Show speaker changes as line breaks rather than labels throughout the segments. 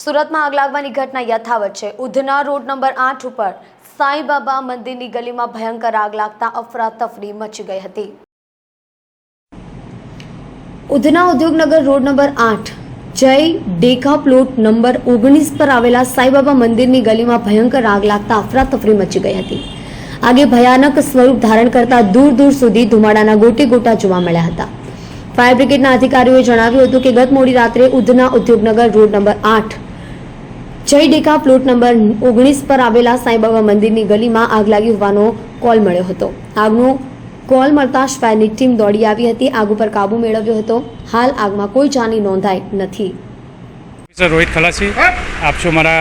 સુરતમાં આગ લાગવાની ઘટના યથાવત છે। ઉધના રોડ નંબર 8 ઉપર સાંઈબાબા મંદિરની ગલીમાં ભયંકર આગ લાગતા અફરાતફરી મચી ગઈ હતી। ઉધના ઉદ્યોગનગર રોડ નંબર 8 જય ડેકા પ્લોટ નંબર 19 પર આવેલા સાંઈબાબા મંદિરની ગલીમાં ભયંકર આગ લાગતા અફરાતફરી મચી ગઈ હતી। આગે ભયાનક સ્વરૂપ ધારણ કરતા દૂર દૂર સુધી ધુમાડાના ગોટે ગોટા જોવા મળ્યા હતા। ફાયર બ્રિગેડના અધિકારીઓએ જણાવ્યું હતું કે ગત મોડી રાત્રે ઉધના ઉદ્યોગનગર રોડ નંબર 8 જય ડેકા પ્લોટ નંબર 19 પર આવેલા સાંઈબાબા મંદિરની ગલીમાં આગ લાગી હોવાનો કોલ મળ્યો હતો। આગનો કોલ મળતા જ ફાયરની ટીમ દોડી આવી હતી। આગ ઉપર કાબુ મેળવ્યો હતો। હાલ આગમાં કોઈ જાની નોંધાઈ નથી।
રોહિત ખલાસી આપ છો મારા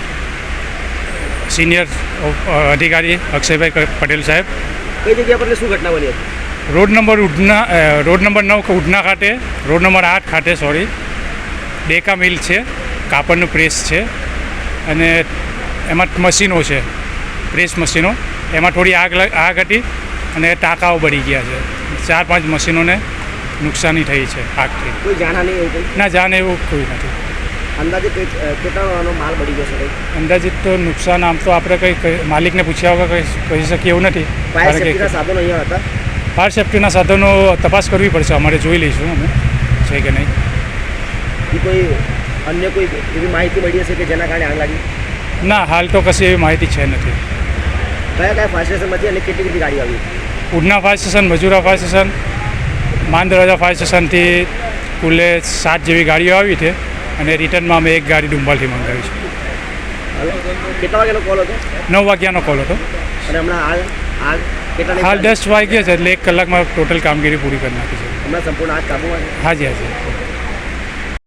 સિનિયર અધિકારી અક્ષયભાઈ પટેલ સાહેબ।
કઈ જગ્યા પર શું ઘટના બની હતી?
રોડ નંબર 9 ઉધના ખાતે રોડ નંબર 8 ખાતે ડેકા મિલ છે, કાપડનું પ્રેસ છે અને એમાં મશીનો છે, પ્રેસ મશીનો, એમાં થોડી આગ હતી અને ટાંકાઓ બળી ગયા છે। 4-5 મશીનોને નુકસાની થઈ છે આગથી।
કોઈ જાનહાની એવું કંઈ?
ના, જાન એવું કોઈ નથી।
અંદાજે કેટલાનો માલ બળી ગયો છે?
અંદાજિત તો નુકસાન આમ તો આપણે કંઈ માલિકને પૂછ્યા વગર કહી શકીએ એવું નથી।
ફાયર સેફ્ટીના સાધનો અહીંયા હતા?
ફાયર સેફ્ટીના સાધનો તપાસ કરવી પડશે, અમારે જોઈ લઈશું અમે છે કે નહીં।
કોઈ અન્ય કોઈ એવી માહિતી મળી હશે કે જેના કારણે આગ લાગી?
ના, હાલ તો કશી એવી માહિતી છે નથી।
કયા ફાયર સ્ટેશનમાંથી અને કેટલી ગાડી આવી?
Udhna fire station, Majura fire station, Mandarwaja fire સ્ટેશનથી કુલે 7 જેવી ગાડીઓ આવી છે અને રિટર્નમાં અમે એક ગાડી ડુંબાલથી મંગાવી છે।
કેટલા વાગ્યાનો કોલ હતો?
9 વાગ્યાનો કોલ હતો
અને હમણાં આગ કેટલા?
હાલ 10 વાગ્યા છે એટલે 1 કલાકમાં ટોટલ કામગીરી પૂરી કરી નાખી છે।
હમણાં સંપૂર્ણ આગ કાબૂમાં છે?
હાજી હાજી।